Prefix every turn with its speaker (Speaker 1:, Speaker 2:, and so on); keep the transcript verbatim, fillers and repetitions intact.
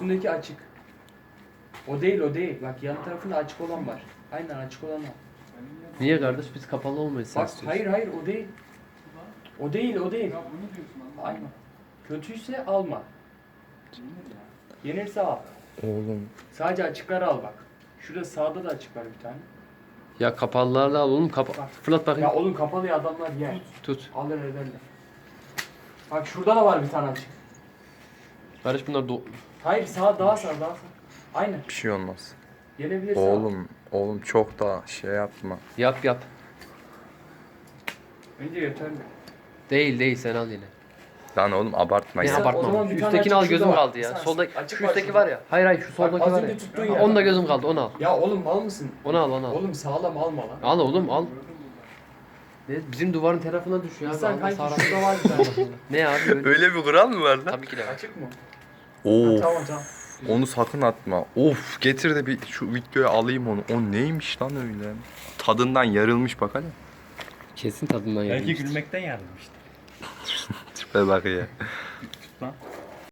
Speaker 1: üstündeki açık. O değil o değil. Bak yan tarafında açık olan var. Aynen açık olan var.
Speaker 2: Niye kardeş biz kapalı olmayız sen
Speaker 1: Bak
Speaker 2: istiyorsun.
Speaker 1: hayır hayır o değil. O değil o değil. Aynen. Kötüyse alma. Yenirse al.
Speaker 3: Oğlum.
Speaker 1: Sadece açıkları al bak. Şurada sağda da açık var bir tane.
Speaker 2: Ya kapalılarla al oğlum kapa.
Speaker 1: Bak.
Speaker 2: Fırlat bakayım.
Speaker 1: Ya oğlum kapalı ya adamlar yer.
Speaker 2: Tut.
Speaker 1: Alır ederler. Bak şurada da var bir tane açık.
Speaker 2: Kardeş bunlar do...
Speaker 1: Hayır sağ daha sağ daha sağ. Aynen.
Speaker 3: Bir şey olmaz.
Speaker 1: Yenebilirsin. al.
Speaker 3: Oğlum. Oğlum çok da şey yapma.
Speaker 2: Yap yap.
Speaker 1: Bence yeterli.
Speaker 2: Değil değil sen al yine.
Speaker 3: Lan oğlum abartma
Speaker 2: Ne
Speaker 3: ya.
Speaker 1: o
Speaker 2: abartma.
Speaker 1: zaman bir
Speaker 2: Şu
Speaker 1: tane
Speaker 2: üsttekini al
Speaker 1: açık
Speaker 2: gözüm
Speaker 1: şurada var.
Speaker 2: kaldı ya.
Speaker 1: Sen-
Speaker 2: Solda
Speaker 1: açık
Speaker 2: şu
Speaker 1: var
Speaker 2: üstteki
Speaker 1: şurada.
Speaker 2: var ya. Hayır hayır şu soldaki
Speaker 1: az
Speaker 2: var
Speaker 1: önce
Speaker 2: ya.
Speaker 1: tuttuğun
Speaker 2: Ha,
Speaker 1: yer.
Speaker 2: onda gözüm kaldı onu al.
Speaker 1: Ya oğlum mal mısın?
Speaker 2: Onu al onu al.
Speaker 1: Oğlum sağlam alma lan.
Speaker 2: Al oğlum al. Ne? Bizim duvarın tarafına düşüyor abi.
Speaker 1: İnsan
Speaker 2: Allah
Speaker 1: kanki
Speaker 2: sağlam.
Speaker 1: şurada var bir tane.
Speaker 2: Ne abi öyle?
Speaker 3: Öyle bir kural mı var lan?
Speaker 2: Tabii ki de var.
Speaker 1: Açık mı?
Speaker 3: Of.
Speaker 1: Tamam tamam.
Speaker 3: Onu sakın atma. Of getir de bir şu videoya alayım onu. O neymiş lan öyle? Tadından yarılmış bak hadi.
Speaker 2: Kesin tadından
Speaker 4: Belki
Speaker 2: yemiştir.
Speaker 4: gülmekten yardım işte.
Speaker 3: Tipe bak ya.
Speaker 4: Tut lan.